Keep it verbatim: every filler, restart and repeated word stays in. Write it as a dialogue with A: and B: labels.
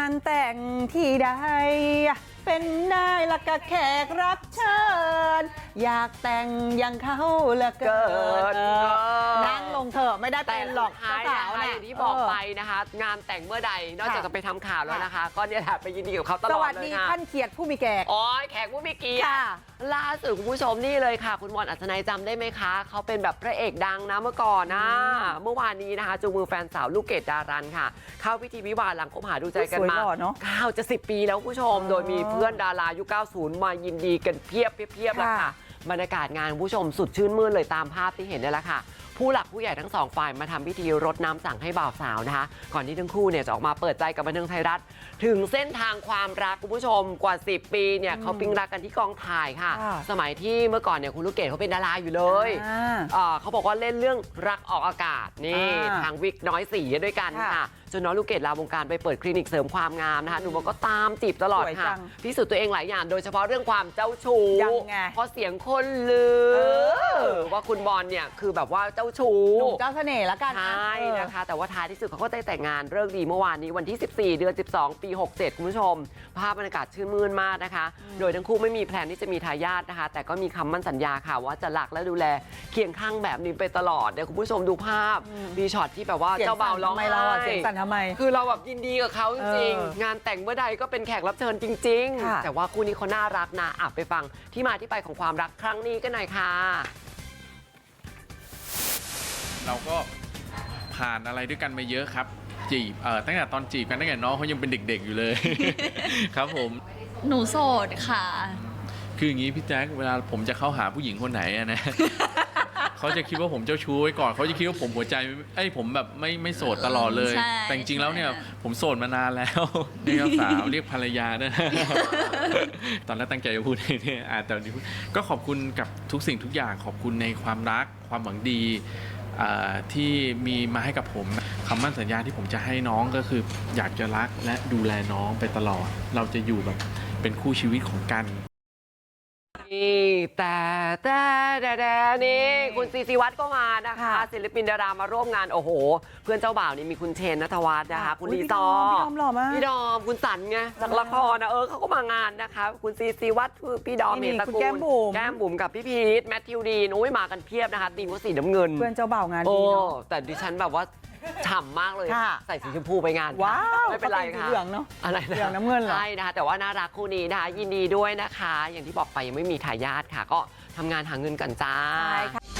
A: านแต่งที่ใดเป็นได้ละกะแขกรับเชิญอยากแต่งอย่างเขาเหลือเกินนั่งลงเถอะไม่ได้เป็นหรอก
B: ท้าย
A: สา
B: นะ
A: ว
B: คะ
A: เนี่
B: อย ย่างที่บอกไปนะคะ งานแต่งเมื่อใดนอกจากจะไปทำข่าวแล้วนะคะ ก็เนี่ยแหละไปยินดีกับเขาตล
A: ส
B: อ
A: วั
B: ด
A: ส
B: เล
A: ดี
B: ยค่ะ
A: ท่านเขียดผู้มีแก่
B: อ๋อแขกผู้มีเกียรติ
A: ค่ะ
B: ล่าสุดคุณผู้ชมนี่เลยค่ะ คุณบอลอัศนัยจำได้ไหมคะ เขาเป็นแบบพระเอกดังนะเมื่อก่อนนะเมื่อวานนี้นะคะจูงมือแฟนสาวลูกเกดดารันค่ะ เข้าพิธีวิวาห์หลังคบหาดูใจกันมา
A: สวยหล่อเนอะ
B: เก้าจะสิบปีแล้วคุณผู้ชม โดยมีเพื่อนดารายุคเก้าสิบมายินดีกันเพียบเพียบๆแล้วค่ะ บรรยากาศงานคุณผู้ชมสุดชื่นมื่นเลยตามภาพที่เห็นนี่แหละค่ะผู้หลักผู้ใหญ่ทั้งสองฝ่ายมาทำพิธีรดน้ำสั่งให้บ่าวสาวนะคะก่อนที่ทั้งคู่เนี่ยจะออกมาเปิดใจกับบันเทิงไทยรัฐถึงเส้นทางความรักคุณผู้ชมกว่าสิบปีเนี่ยเขาปิ๊งรักกันที่กองถ่ายค่ะ สมัยที่เมื่อก่อนเนี่ยคุณลูกเกดเขาเป็นดาราอยู่เลยเขาบอกว่าเล่นเรื่องรักออกอากาศนี่ทางวิกน้อยสีด้วยกันค่ะจนน้องลูกเกดลาวงการไปเปิดคลินิกเสริมความงามนะคะหนุ่มบอกก็ตามจีบตลอดค่ะพิสูจน์ตัวเองหลายอย่างโดยเฉพาะเรื่องความเจ้าชู้เพราะเสียงคนลือว่าคุณบอลเนี่ยคือแบบว่าเจ้าชู้
A: หนุ่มเจ้าเสน่ห์แล้วกัน
B: ใช่นะคะแต่ว่าท้ายที่สุดเขาก็ได้แต่งงานเลิกดีเมื่อวานนี้วันที่สิบสี่เดือนสิบสองปีหกสิบเจ็ดคุณผู้ชมภาพบรรยากาศชื่นมื่นมากนะคะโดยทั้งคู่ไม่มีแพลนที่จะมีทายาทนะคะแต่ก็มีคำมั่นสัญญาค่ะว่าจะรักและดูแลเคียงข้างแบบนี้ไปตลอดเดี๋ยวคุณผู้ชมดูภาพมีช็อตที่แบบว่าเจ้าบ่าวร้องไห้
A: เราอะเสียงสั่นทำไม
B: คือเราแบบยินดีกับเขาจริงๆงานแต่งเมื่อใดก็เป็นแขกรับเชิญจริงๆแต่ว่าคู่นี้เขาน่ารักนะอ่ะไปฟังที่มาที่ไปของความรักครั้งนี้กันหน่อยค่ะ
C: เราก็ผ่านอะไรด้วยกันมาเยอะครับจีบเอ่อตั้งแต่ตอนจีบกันตั้งแต่น้องเขายังเป็นเด็กๆอยู่เลย ครับผม
D: หนูโสดค่ะ
C: คืออย่างนี้พี่แจ๊คเวลาผมจะเข้าหาผู้หญิงคนไหนอะนะ เขาจะคิดว่าผมเจ้าชู้ไว้ก่อนเขาจะคิดว่าผมหัวใจไอ้ผมแบบไม่ไม่โสดตลอดเลยแต่จริงๆแล้วเนี่ยผมโสดมานานแล้วเรียกสาวเรียกภรรยาด้วย ตอนแรกตั้งใจจะพูดเนี่ยอ่าแต่นี้ก็ขอบคุณกับทุกสิ่งทุกอย่างขอบคุณในความรักความหวังดีที่มีมาให้กับผมคำมั่นสัญญาที่ผมจะให้น้องก็คืออยากจะรักและดูแลน้องไปตลอดเราจะอยู่แบบเป็นคู่ชีวิตของกัน
B: นี่แต่แต่แต่แต่นี่คุณซีซีวัตรก็มานะคะศิลปินดารามาร่วมงานโอ้โหเพื่อนเจ้าบ่าวนี่มีคุณเชนณัฐวัฒน์นะคะคุณลีซอ
A: พี่ดอมหล่อมาก
B: พี่ดอมคุณสันไงจากละครนะเออเขาก็มางานนะคะคุณซีซีวัตรพี่ดอมเมตตระกูลแก้มบุ๋มแก้มบุ๋มกับพี่พีทแมทธิวดีนโอ้ยมากันเพียบนะคะตีมก็สีน้ำเงิน
A: เพื่อนเจ้าบ่าวงานดีเนาะ
B: แต่ดิฉันแบบว่าฉ่ำมากเลยใส่สีชมพูไปงาน
A: ว้าว
B: ไม่เป็นไรค่ะ
A: เหลืองเนาะ
B: อะไรนะ
A: เหลืองน้ำเงินเหรอ
B: ใช่นะคะแต่ว่าน่ารักคู่นี้นะคะยินดีด้วยนะคะอย่างที่บอกไปยังไม่มีทายาทค่ะก็ทำงานหาเงินกันจ้า
A: ใช่ค่ะ